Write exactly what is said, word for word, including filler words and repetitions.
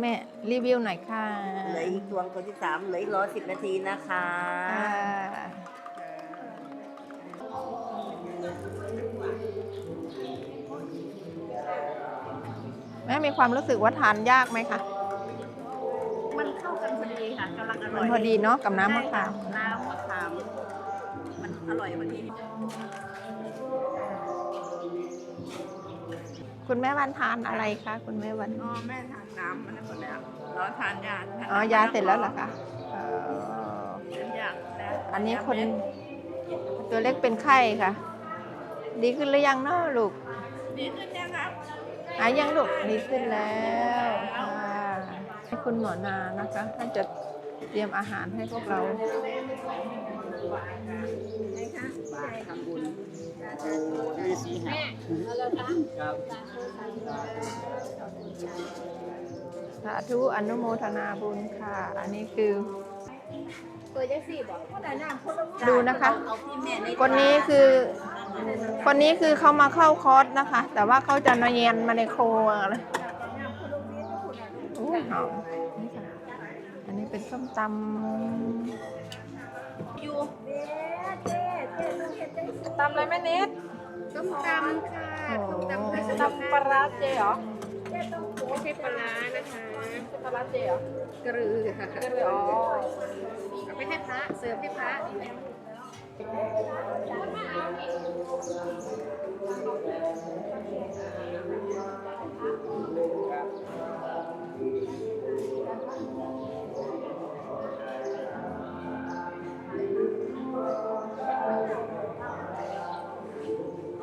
แม่รีวิวหน่อยค่ะเหลืออีกตวงตัวที่สามเหลืออีกรอสิบนาทีนะคะแม่มีความรู้สึกว่าทานยากไหมคะมันเข้ากันพอดีค่ะกำลังอร่มัอน ยพอดีเนาะกับน้ำมะขามน้ำมะขามมันอร่อยพอดีคุณแม่วันทานอะไรคะคุณแม่วันอ๋อแม่ทานน้ำมันหมดแล้วเราทานยาอ๋อยาเสร็จแล้วเหรอคะอ๋อเป็นยาแล้วอันนี้คนตัวเล็กเป็นไข้ค่ะ ดีขึ้นหรือยังเนาะลูกดีขึ้นยังครับหายยังลูกดีขึ้นแล้วค่ะให้คุณหมอนานะคะท่านจะเตรียมอาหารให้พวกเราไหนคะบาททำบุญฤาษีหาครับสาธุอนุโมทนาบุญค่ะ อันนี้คือตัวยักษ์สี่บอกคนไหนน้ำคนละดูนะคะเอาที่แม่ในคนนี้คือ คนนี้คือเขามาเข้าคอร์สนะคะ แต่ว่าเขาจะนเยียนมาในโครัวอะไรอู้หอมนี่ค่ะอันนี้เป็นส้มตำอยู่ตำอะไรแม่เน็ตต้มตำค่ะต้มตำค่ะตำปลาร้าเจเหรอไม่ใช่ปลาร้านะคะปลาร้าเจเหรอกระรือค่ะก็เลยอ๋อเอาไปให้พระเสิร์ฟให้พระ